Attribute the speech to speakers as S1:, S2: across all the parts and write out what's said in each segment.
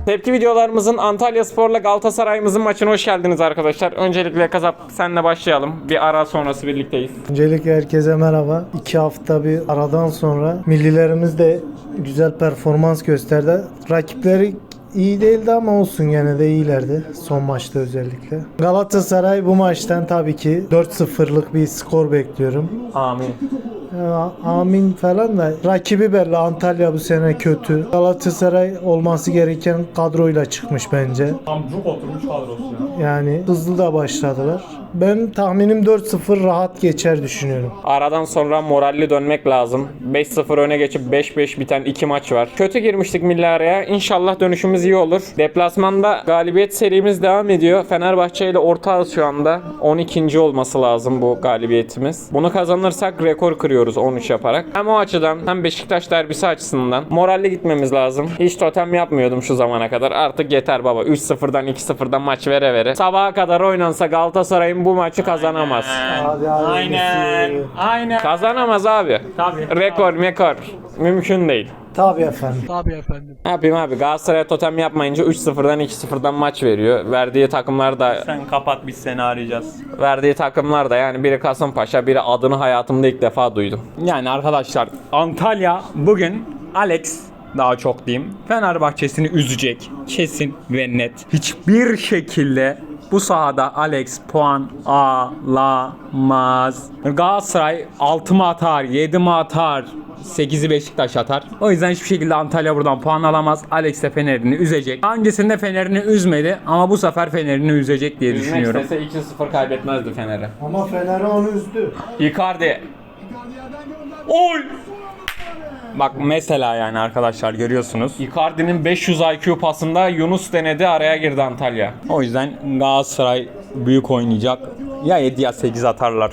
S1: Tepki videolarımızın Antalyaspor'la Galatasaray'ımızın maçına hoş geldiniz arkadaşlar. Öncelikle Kasap senle başlayalım. Bir ara sonrası birlikteyiz.
S2: Öncelikle herkese merhaba. 2 hafta bir aradan sonra millilerimiz de güzel performans gösterdi. Rakipleri iyi değildi ama olsun, gene de iyilerdi son maçta özellikle. Galatasaray bu maçtan tabii ki 4-0'lık bir skor bekliyorum.
S1: Amin.
S2: Amin falan da rakibi belli. Antalya bu sene kötü. Galatasaray olması gereken kadroyla çıkmış bence.
S1: Tam çok oturmuş kadrosu ya.
S2: Yani hızlı da başladılar. Ben tahminim 4-0 rahat geçer düşünüyorum.
S1: Aradan sonra moralli dönmek lazım. 5-0 öne geçip 5-5 biten 2 maç var. Kötü girmiştik milli araya. İnşallah dönüşümüz iyi olur. Deplasmanda galibiyet serimiz devam ediyor. Fenerbahçe ile ortağız şu anda. 12. olması lazım bu galibiyetimiz. Bunu kazanırsak rekor kırıyoruz 13 yaparak. Hem o açıdan hem Beşiktaş derbisi açısından moralli gitmemiz lazım. Hiç totem yapmıyordum şu zamana kadar. Artık yeter baba. 3-0'dan 2-0'dan maç vere vere. Sabaha kadar oynansa Galatasaray'ın bu maçı kazanamaz.
S2: Hadi
S1: Aynen. Kazanamaz abi.
S3: Tabii.
S1: Rekor. Mümkün değil.
S2: Tabii efendim.
S1: Ne yapayım abi? Galatasaray totem yapmayınca 3-0'dan 2-0'dan maç veriyor. Verdiği takımlar da
S3: Sen kapat, biz seni arayacağız.
S1: yani biri Kasımpaşa, biri adını hayatımda ilk defa duydum.
S3: Yani arkadaşlar, Antalya bugün Alex, daha çok diyeyim, Fenerbahçe'sini üzecek. Kesin ve net. Hiçbir şekilde bu sahada Alex puan alamaz. Galatasaray 6 mı atar, 7 mi atar, 8'i Beşiktaş atar. O yüzden hiçbir şekilde Antalya buradan puan alamaz. Alex de Fener'ini üzecek. Öncesinde Fener'ini üzmedi ama bu sefer Fener'ini üzecek diye düşünüyorum.
S1: Üzmek istese 2-0 kaybetmezdi Fener'e.
S2: Ama Fener'i onu üzdü.
S1: Icardi.
S3: Oy! Bak mesela yani arkadaşlar, görüyorsunuz.
S1: Icardi'nin 500 IQ pasında Yunus denedi, araya girdi Antalya.
S3: O yüzden Galatasaray büyük oynayacak. Ya 7 ya 8 atarlar.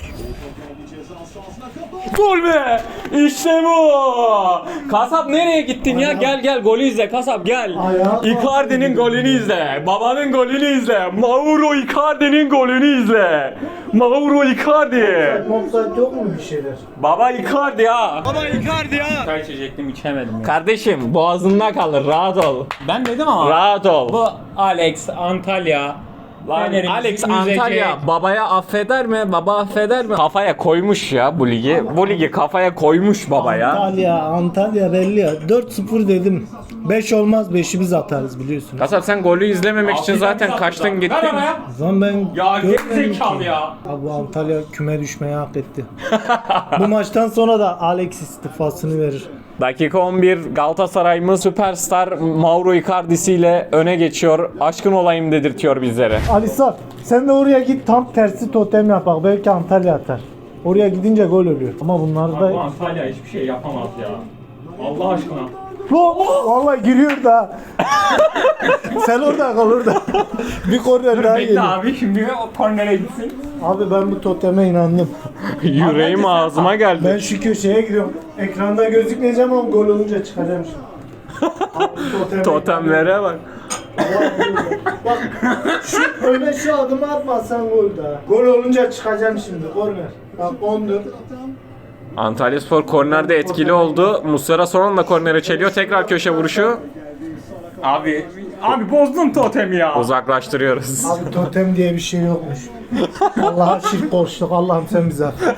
S1: Gol be! İşte bu! Kasap nereye gittin ya? Gel golü izle Kasap gel.
S2: Ayağa
S1: Icardi'nin golünü izle. Babanın golünü izle. Mauro Icardi'nin golünü izle. Mauro Icardi.
S2: Offside yok mu bir şeyler?
S1: Baba Icardi ya.
S3: Çay içecektim, içemedim ya.
S1: Kardeşim boğazında kalır, rahat ol.
S3: Ben dedim ama
S1: Rahat ol.
S3: bu Alex Antalya Fener'imizi
S1: Alex
S3: üzecek.
S1: Antalya babaya affeder mi? Baba affeder mi? Kafaya koymuş ya bu ligi. Bu ligi kafaya koymuş baba ya.
S2: Antalya belli ya. 4-0 dedim. 5 olmaz, 5'i biz atarız biliyorsun.
S1: Kasap sen golü izlememek için zaten kaçtın gittin.
S2: O zaman ben
S3: Ya
S2: görmedim
S3: gerizekalı
S2: ki.
S3: ya.
S2: Abi bu Antalya küme düşmeyi hak etti. Bu maçtan sonra da Alex istifasını verir.
S1: Dakika 11 Galatasaray'ımız süperstar Mauro Icardi'si ile öne geçiyor. Aşkın olayım dedirtiyor bizlere.
S2: Alisar sen de oraya git, tam tersi totem yap bak, belki Antalya atar. Oraya gidince gol oluyor. Ama bunlar
S3: Bu
S2: da...
S3: Antalya hiçbir şey yapamaz ya. Allah aşkına.
S2: Vallahi giriyor da. Sen orada kal orada. Bir korner daha
S3: Bekle
S2: geliyor.
S3: abi, şimdi o kornere gitsin.
S2: Abi ben bu toteme inandım.
S1: Yüreğim ağzıma geldi.
S2: Ben şu köşeye gidiyorum. Ekranda gözükmeyeceğim ama gol olunca çıkacağım şimdi. Abi,
S1: Totemlere bak.
S2: Bak şu öne şu adımı atmazsan gol daha. Gol olunca çıkacağım şimdi, korner. Bak 14.
S1: Antalyaspor kornerde etkili oldu. Muslera son anda kornere çeliyor. Tekrar köşe vuruşu.
S3: Abi bozdun totemi ya.
S1: Uzaklaştırıyoruz.
S2: Abi totem diye bir şey yokmuş. Allah'a şirk koştuk. Allah'ım sen bize affet.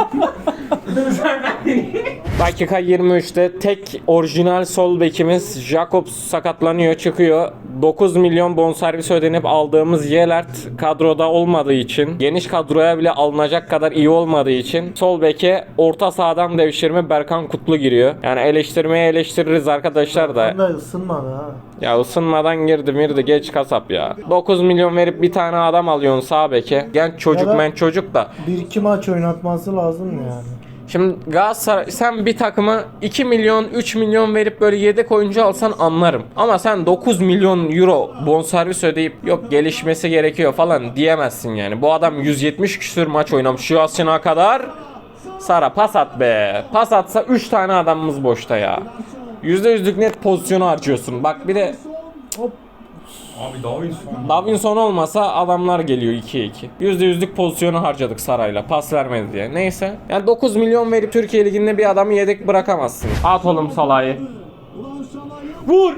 S1: Dakika 23'te tek orijinal sol bekimiz Jakobs sakatlanıyor, çıkıyor. 9 milyon bonservis ödenip aldığımız Yelert kadroda olmadığı için, geniş kadroya bile alınacak kadar iyi olmadığı için sol beke orta sahadan devşirme Berkan Kutlu giriyor. Yani eleştirmeye eleştiririz arkadaşlar da.
S2: Ben de ısınmadı ha.
S1: Ya ısınmadan girdi geç Kasap ya. 9 milyon verip bir tane adam alıyorsun sağ beke. Genç çocuk
S2: Ya da-
S1: men çocuk da.
S2: 1-2 maç oynatması lazım yani.
S1: Şimdi Galatasaray sen bir takıma 2 milyon 3 milyon verip böyle yedek oyuncu alsan anlarım. Ama sen 9 milyon euro bonservis ödeyip yok gelişmesi gerekiyor falan diyemezsin yani. Bu adam 170 küsür maç oynamış şu yaşına kadar. Sara pas at be. Pas atsa 3 tane adamımız boşta ya. %100'lük net pozisyonu harcıyorsun. Bak bir de
S3: Abi Davinson.
S1: Davinson olmasa adamlar geliyor 2'ye 2. %100'lük pozisyonu harcadık Saray'la. Pas vermedi diye. Neyse. Yani 9 milyon verip Türkiye Ligi'nde bir adamı yedek bırakamazsın. At oğlum Salah'ı. Vur!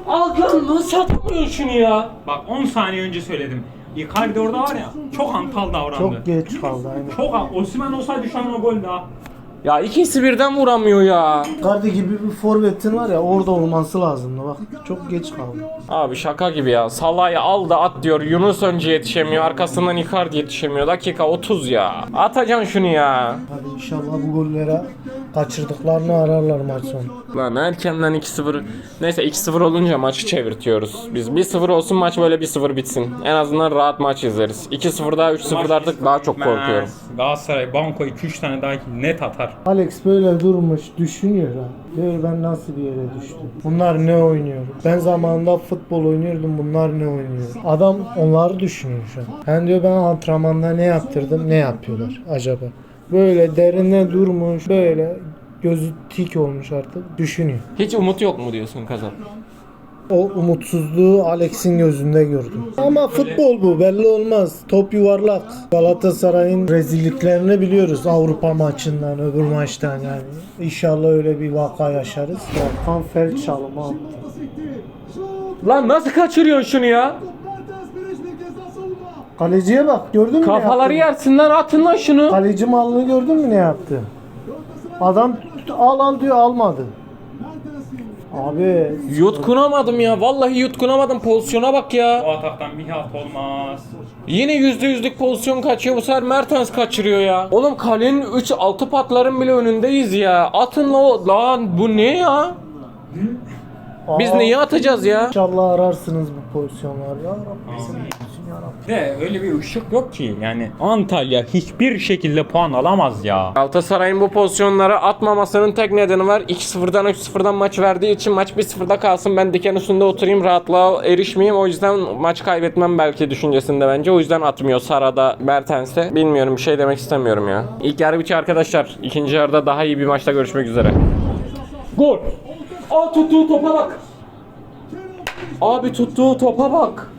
S1: Al lan nasıl atamıyorsun şunu ya?
S3: Bak 10 saniye önce söyledim. Icardi orada var ya çok hantal davrandı.
S2: Çok geç kaldı aynen.
S3: Çok Osimhen olsaydı şu an o gol daha.
S1: Ya ikisi birden vuramıyor ya.
S2: Icardi gibi bir forvetin var ya orada olması lazımdı bak. Çok geç kaldı.
S1: Abi şaka gibi ya. Salah'ı al da at diyor. Yunus önce yetişemiyor. Arkasından Icardi yetişemiyor. Dakika 30 ya. Atacaksın şunu ya.
S2: Hadi inşallah bu gollere kaçırdıklarını ararlar maç sonu.
S1: Lan erkenden 2-0. Neyse 2-0 olunca maçı çevirtiyoruz. Biz 1-0 olsun maç böyle 1-0 bitsin. En azından rahat maç izleriz. 2-0'da 3-0'da artık daha çok korkuyorum.
S3: Galatasaray banko 2-3 tane daha net atar.
S2: Alex böyle durmuş düşünüyor ha. Diyor ben nasıl bir yere düştüm. Bunlar ne oynuyor? Ben zamanında futbol oynuyordum bunlar ne oynuyor? Adam onları düşünüyor şu an. Ben diyor ben antrenmanda ne yaptırdım ne yapıyorlar acaba? Böyle derine durmuş böyle gözü tik olmuş artık düşünüyor.
S1: Hiç umut yok mu diyorsun Kazan?
S2: O umutsuzluğu Alex'in gözünde gördüm. Ama futbol bu belli olmaz. Top yuvarlak. Galatasaray'ın rezilliklerini biliyoruz Avrupa maçından öbür maçtan yani. İnşallah öyle bir vaka yaşarız. Volkan Felç çalımı attı.
S1: Lan nasıl kaçırıyorsun şunu ya?
S2: Kaleciye bak gördün mü
S1: Kafaları
S2: ne yaptı?
S1: yersin lan atın lan şunu.
S2: Kaleci malını gördün mü ne yaptı? Adam al diyor almadı. Abi
S1: Yutkunamadım ya. Vallahi yutkunamadım. Pozisyona bak ya.
S3: O ataktan bir halt olmaz.
S1: Yine %100'lük pozisyon kaçıyor. Bu sefer Mertens kaçırıyor ya. Oğlum kalenin 3-6 patların bile önündeyiz ya. Atın lan bu ne ya? Biz neyi atacağız ya?
S2: İnşallah ararsınız bu pozisyonlar ya Rabbi. Sen bilirsin ya Rabbi.
S3: De öyle bir ışık yok ki yani Antalya hiçbir şekilde puan alamaz ya.
S1: Galatasaray'ın bu pozisyonlara atmamasının tek nedeni var. 2-0'dan 3-0'dan maç verdiği için maç 1-0'da kalsın. Ben diken üstünde oturayım rahatlığa erişmeyeyim. O yüzden maç kaybetmem belki düşüncesinde bence. O yüzden atmıyor Sara'da Mertens'e. Bilmiyorum bir şey demek istemiyorum ya. İlk yarı bitiyor arkadaşlar. İkinci yarıda daha iyi bir maçta görüşmek üzere. Gol. Aa tuttuğu topa bak. Abi tuttuğu topa bak.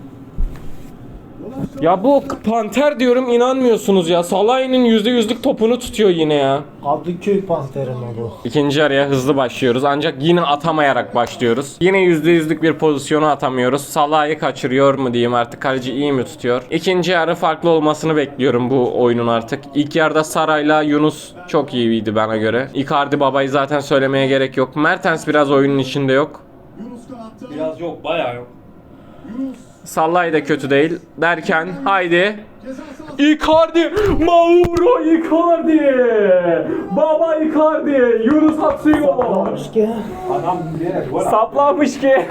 S1: Ya bu panter diyorum inanmıyorsunuz ya. Salah'ın %100'lük topunu tutuyor yine ya.
S2: Kadıköy Panter'in o bu.
S1: İkinci yarıya hızlı başlıyoruz ancak yine atamayarak başlıyoruz. Yine %100'lük bir pozisyonu atamıyoruz. Salah'ı kaçırıyor mu diyeyim artık, kaleci iyi mi tutuyor? İkinci yarı farklı olmasını bekliyorum bu oyunun artık. İlk yarıda Saray'la Yunus çok iyiydi bana göre. Icardi babayı zaten söylemeye gerek yok. Mertens biraz oyunun içinde yok.
S3: Biraz yok bayağı yok.
S1: Sallay da kötü değil derken haydi Icardi, Mauro Icardi, baba Icardi, Yunus atıyor.
S2: Ki.
S1: Saplamış ki.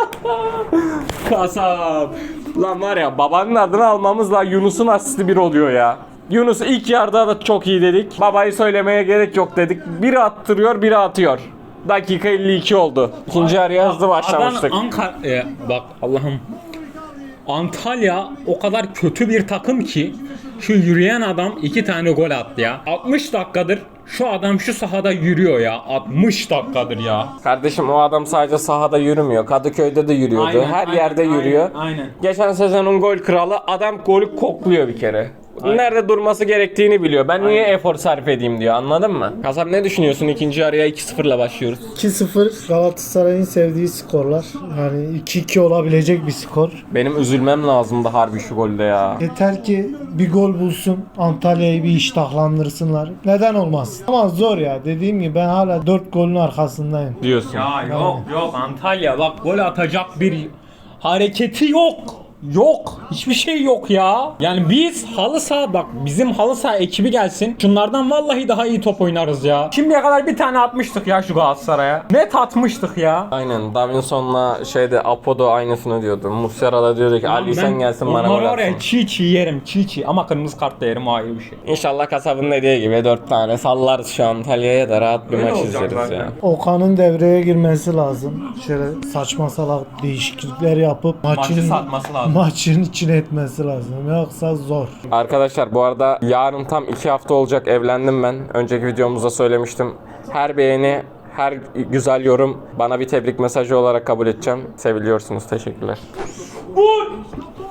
S1: Kasap. Lan var ya babanın adını almamızla Yunus'un asisti bir oluyor ya. Yunus ilk yarıda da çok iyi dedik. Babayı söylemeye gerek yok dedik. Biri attırıyor, biri atıyor. Dakika 52 oldu. İkinci yarıya hızlı başlamıştık.
S3: Bak Allah'ım. Antalya o kadar kötü bir takım ki şu yürüyen adam 2 tane gol attı ya. 60 dakikadır şu adam şu sahada yürüyor ya. 60 dakikadır ya.
S1: Kardeşim o adam sadece sahada yürümüyor. Kadıköy'de de yürüyordu.
S3: Aynen,
S1: Her
S3: aynen,
S1: yerde yürüyor.
S3: aynen.
S1: Geçen sezonun gol kralı adam golü kokluyor bir kere. Nerede durması gerektiğini biliyor. Ben niye efor sarf edeyim diyor. Anladın mı? Kasap ne düşünüyorsun? İkinci yarıya 2-0'la başlıyoruz.
S2: 2-0 Galatasaray'ın sevdiği skorlar. Yani 2-2 olabilecek bir skor.
S1: Benim üzülmem lazımdı harbi şu golde ya.
S2: Yeter ki bir gol bulsun. Antalya'yı bir iştahlandırsınlar. Neden olmaz? Ama zor ya. Dediğim gibi ben hala 4 golün arkasındayım.
S1: Diyorsun.
S3: Ya yok Antalya bak gol atacak bir hareketi yok. Yok. Hiçbir şey yok ya. Yani biz halı saha bak bizim halı saha ekibi gelsin. Şunlardan vallahi daha iyi top oynarız ya. Şimdiye kadar bir tane atmıştık ya şu Galatasaray'a. Net atmıştık ya.
S1: Aynen. Davinson'la Apo'da aynısını diyordu. Muslera da diyordu ki Ali sen gelsin bana gol
S3: onları oraya
S1: atsın.
S3: çiğ yerim çiğ ama kırmızı kart da yerim o ayrı bir şey.
S1: İnşallah kasabın dediği gibi 4 tane sallarız şu Antalya'ya da rahat bir
S3: Öyle
S1: maç
S3: olacak
S1: izleriz
S3: zaten.
S1: ya.
S2: Okan'ın devreye girmesi lazım. Şöyle saçma salak değişiklikler yapıp
S3: Maçı satması lazım.
S2: maçın içine etmesi lazım. Yoksa zor.
S1: Arkadaşlar bu arada yarın tam 2 hafta olacak evlendim ben. Önceki videomuzda söylemiştim. Her beğeni, her güzel yorum bana bir tebrik mesajı olarak kabul edeceğim. Seviliyorsunuz. Teşekkürler.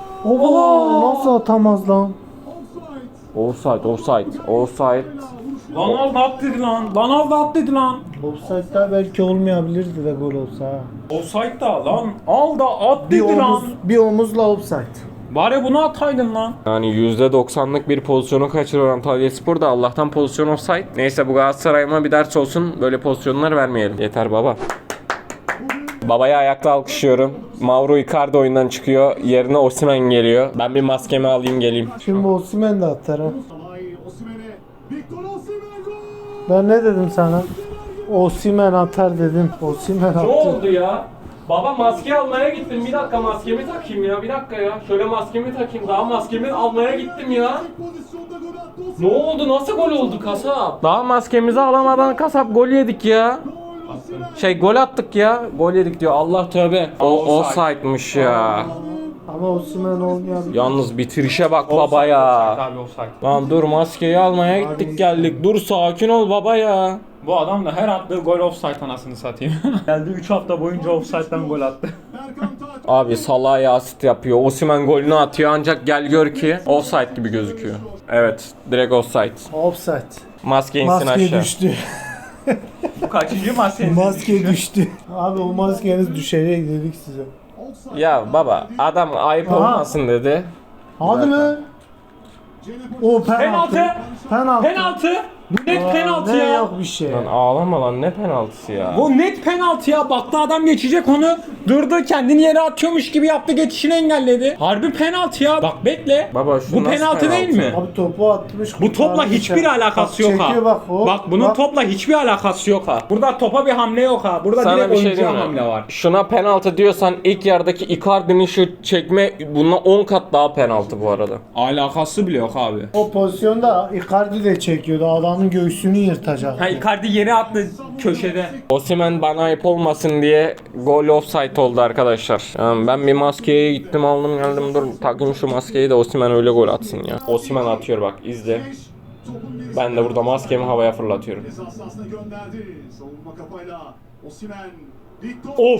S2: Oo, nasıl atamaz lan?
S1: Offside.
S3: Lan aldı at dedi lan. Lan aldı at dedi lan.
S2: Offside'da belki olmayabilirdi de gol olsa. Ha.
S3: Offside da lan. Al da at
S2: Bir
S3: dedi lan.
S2: omuz, bir omuzla offside.
S3: Bari bunu ataydın lan.
S1: Yani %90'lık bir pozisyonu kaçırıyor Antalyaspor da Allah'tan pozisyon offside. Neyse bu Galatasaray'ıma bir ders olsun. Böyle pozisyonlar vermeyelim. Yeter baba. Babayı ayakta alkışlıyorum. Mauro Icardi oyundan çıkıyor. Yerine Osimhen geliyor. Ben bir maskemi alayım geleyim.
S2: Şimdi Osimhen de atar ha. Ben ne dedim sana? Osimhen atar dedim. Osimhen
S1: Ne
S2: attı.
S1: oldu ya? Baba maske almaya gittim. Bir dakika maskemi takayım ya. Bir dakika ya. Şöyle maskemi takayım. Daha maskemi almaya gittim ya. Ne oldu? Nasıl gol oldu kasap? Daha maskemizi alamadan kasap gol yedik ya. Gol attık ya. Gol yedik diyor. Allah tövbe. O offside'mış ya.
S2: Ama Osimhen olmayabilir.
S1: Yalnız bitirişe bak baba ya.
S3: Abi offside.
S1: Lan dur maskeyi almaya gittik geldik. Dur sakin ol baba ya.
S3: Bu adam da her attığı gol offside anasını satayım. Geldi 3 hafta boyunca offside'den gol attı.
S1: Abi Salah'a asit yapıyor. Osimhen golünü atıyor ancak gel gör ki offside gibi gözüküyor. Evet, direkt offside.
S2: Offside.
S1: Maske insin
S2: Maske
S1: aşağı.
S2: düştü.
S3: Bu kaçıncı maç senin?
S2: Maske düştü. Abi o maskeniz düşecek dedik size.
S1: Ya baba adam ayıp
S2: Aha.
S1: olmasın dedi.
S2: Hadi lan. O penaltı.
S3: Penaltı.
S2: Penaltı.
S3: Penaltı. Bu net
S2: Aa,
S3: penaltı
S2: ne
S3: ya.
S2: yok bir şey.
S1: Lan ağlama lan ne penaltısı ya.
S3: Bu net penaltı ya. Baktı adam geçecek onu. Durdu kendini yere atıyormuş gibi yaptı, geçişini engelledi. Harbi penaltı ya. Bak bekle.
S1: Baba şu
S3: Bu
S1: nasıl
S3: penaltı değil mi?
S2: Abi topu atmış.
S3: Bu topla
S2: kurtarmış
S3: hiçbir
S2: ya.
S3: alakası
S2: Bak,
S3: yok ha.
S2: çekiyor bak, hop,
S3: Bak bunun
S2: bak.
S3: topla hiçbir alakası yok ha. Burada topa bir hamle yok ha. Burada
S1: Sana
S3: direkt
S1: bir şey
S3: oyuncuya
S1: diyeyim mi?
S3: hamle var.
S1: Şuna penaltı diyorsan ilk yerdeki Icardi'nin şu çekme bununla 10 kat daha penaltı bu arada.
S3: Alakası bile yok abi.
S2: O pozisyonda Icardi de çekiyordu. Adamın göğsünü yırtacak.
S3: Ha Icardi yere attı köşede.
S1: Osimhen bana ayıp olmasın diye gol offside oldu arkadaşlar. Yani ben bir maskeye gittim aldım geldim dur takayım şu maskeyi de Osimhen öyle gol atsın ya. Osimhen atıyor bak izle. Ben de burada maskemi havaya fırlatıyorum. Of.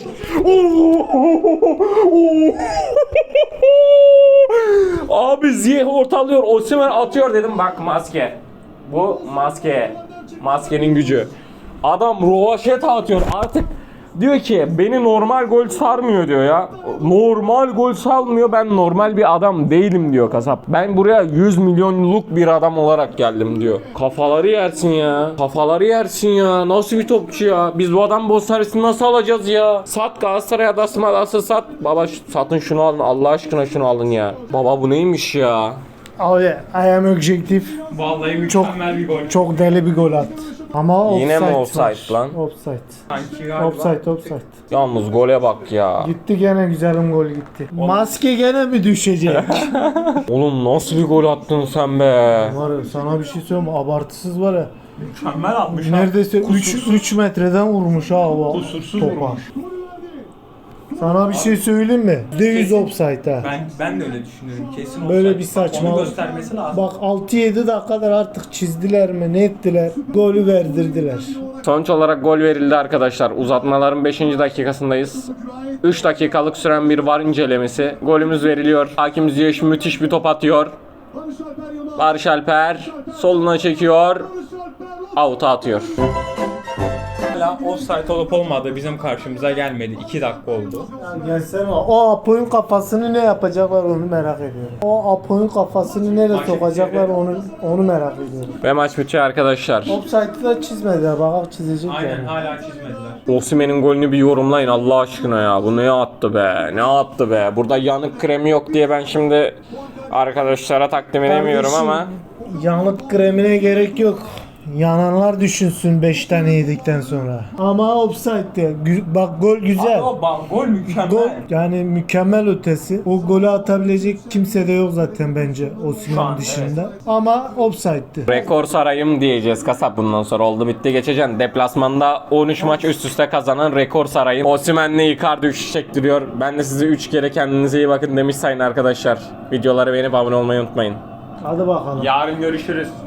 S1: Abi Ziyeh ortalıyor. Osimhen atıyor dedim. Bak maske. Bu maske. Maskenin gücü. Adam rovaşeta atıyor. Artık diyor ki beni normal gol sarmıyor diyor ya. Normal gol salmıyor. Ben normal bir adam değilim diyor kasap. Ben buraya 100 milyonluk bir adam olarak geldim diyor. Kafaları yersin ya. Kafaları yersin ya. Nasıl bir topçu ya. Biz bu adam bonservisini nasıl alacağız ya? Sat Galatasaray adası sat. Baba satın şunu alın. Allah aşkına şunu alın ya. Baba bu neymiş ya?
S2: Abi I am objektif.
S3: Vallahi mükemmel bir gol.
S2: Çok deli bir gol attı. Ama
S1: Yine mi
S2: offside
S1: offside
S2: var.
S1: lan?
S2: Offside.
S3: Sanki galiba.
S2: Offside.
S1: Yalnız gole bak ya.
S2: Gitti gene güzelim gol gitti. Maske gene mi düşecek?
S1: Oğlum nasıl bir gol attın sen be?
S2: Var ya sana bir şey söyleyeyim mi? Abartısız var ya.
S3: Mükemmel atmış.
S2: Neredeyse 3 metreden vurmuş ha o
S3: Kusursuz
S2: topa.
S3: vurmuş.
S2: Sana bir şey söyleyeyim mi? %100 offside ha.
S3: Ben de öyle düşünüyorum. Kesin
S2: Böyle
S3: offside.
S2: bir saçmalık.
S3: Onu göstermesi lazım.
S2: Bak 6-7 dakikadır artık çizdiler mi ne ettiler? Golü verdirdiler.
S1: Sonuç olarak gol verildi arkadaşlar. Uzatmaların 5. dakikasındayız. 3 dakikalık süren bir VAR incelemesi. Golümüz veriliyor. Hakim Ziyech müthiş bir top atıyor. Barış Alper soluna çekiyor. Out'a atıyor.
S3: Hala offside olup olmadığı bizim karşımıza gelmedi. 2 dakika oldu.
S2: Gelsene o Apo'nun kafasını ne yapacaklar onu merak ediyorum. O Apo'nun kafasını nereye sokacaklar onu merak ediyorum.
S1: Ve maç bitiyor arkadaşlar.
S2: Offside'ı da çizmediler bak çizecek
S3: Aynen
S2: yani.
S3: hala çizmediler.
S1: Osimhen'in golünü bir yorumlayın Allah aşkına ya. Bu ne attı be? Ne attı be? Burada yanık kremi yok diye ben şimdi arkadaşlara takdim edemiyorum
S2: Kardeşim,
S1: ama
S2: yanık kremine gerek yok. Yananlar düşünsün 5 tane yedikten sonra. Ama offside'de. Bak gol güzel.
S3: Gol mükemmel.
S2: Gol yani mükemmel ötesi. O golü atabilecek kimse de yok zaten bence
S3: Şu
S2: Osimhen
S3: an,
S2: dışında. Ama offside'di.
S1: rekor sarayım diyeceğiz kasap bundan sonra. Oldu bitti geçeceksin. Deplasmanda 13 maç üst üste kazanan rekor sarayım. Osimhen'le Icardi 3 çektiriyor. Ben de size 3 kere kendinize iyi bakın demiş sayın arkadaşlar. Videoları beğenip abone olmayı unutmayın.
S2: Hadi bakalım.
S3: Yarın görüşürüz.